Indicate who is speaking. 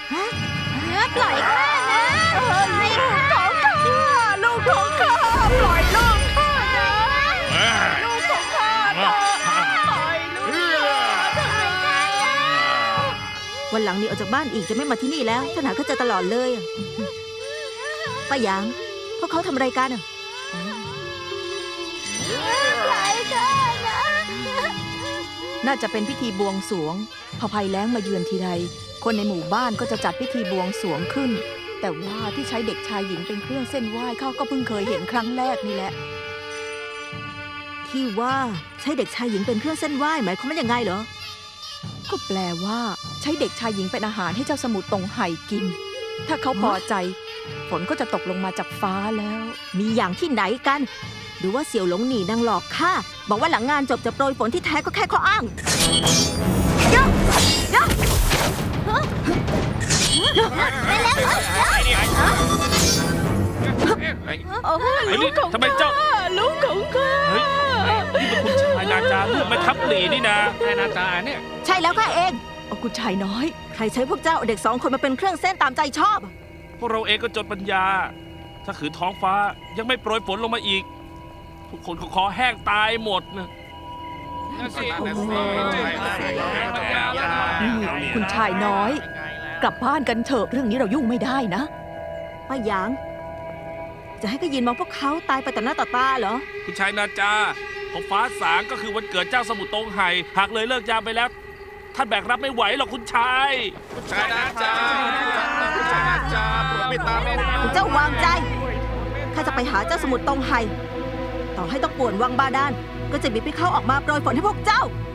Speaker 1: ปล่อยข้านะให้ข้า
Speaker 2: ลูกของข้าปล่อยลูกข้านะลูกของข้าปล่อยลูก
Speaker 3: วันหลังนี้ออกจากบ้านอีกจะไม่มาที่นี่แล้วฉันหาเขาเจอตลอดเลยป้าหยางพวกเขาทำอะไรกันอ่ะ
Speaker 1: ปล่อยข้านะ
Speaker 2: น่าจะเป็นพิธีบวงสรวงพอภัยแล้งมาเยือนทีไรคนในหมู่บ้านก็จะจัดพิธีบวงสรวงขึ้น แต่ว่าที่ใช้เด็กชายหญิงเป็นเครื่องเส้นไหว้เขาก็เพิ่งเคยเห็นครั้งแรกนี่แหละ
Speaker 3: ที่ว่าใช้เด็กชายหญิงเป็นเครื่องเส้นไหว้หมายความว่ายังไงเหรอ
Speaker 2: ก็แปลว่าใช้เด็กชายหญิงเป็นอาหารให้เจ้าสมุทรตงไห่กิน ถ้าเขาพอใจ ฝนก็จะตกลงมาจากฟ้าแล้ว
Speaker 3: มีอย่างที่ไหนกัน หรือว่าเสี่ยวหลงหนีนางหลอกข้าบอกว่าหลังงานจบจะโปรยฝนที่แท้ก็แค่ข้ออ้าง
Speaker 4: ลูกของทำไมเจ้า
Speaker 2: ลูกของข้า
Speaker 4: เฮ้ยนี่เป็นคุณชายนาจาลูกแม่ทัพหลีนี่นะนายนาจาเนี่ย
Speaker 3: ใช่แล้วข้าเอง
Speaker 2: เอาคุณชายน้อย
Speaker 3: ใครใช้พวกเจ้าเอาเด็ก2 คนมาเป็นเครื่องเส้นตามใจชอบ
Speaker 4: พวกเราเองก็จนปัญญา ถ้าขืนท้องฟ้ายังไม่โปรยฝนลงมาอีก ทุกคนก็คอแห้งตายหมดนะ
Speaker 2: คุณชายน้อย กลับบ้านกันเถอะเรื่องนี้เรายุ่งไม่ได้นะ
Speaker 3: ป้าหยาง จะให้ก็ยินมองพวกเขาตายไปต่อหน้าต่อตาเหรอ
Speaker 4: คุณชายนาจาพอฟ้าสางก็คือวันเกิดเจ้าสมุทรตงไห่หากเลยเลิกยามไปแล้ว ท่านแบกรับไม่ไหวหรอกคุณชาย
Speaker 5: คุณชายนาจาคุณชายนาจาโปรดเมตตาแม่นะ
Speaker 3: เจ้าวางใจ ข้าจะไปหาเจ้าสมุทรตงไห่ต่อให้ต้องป่วนวังบาดาล ก็จะบีบให้เขาออกมาโปรยฝนให้พวกเจ้า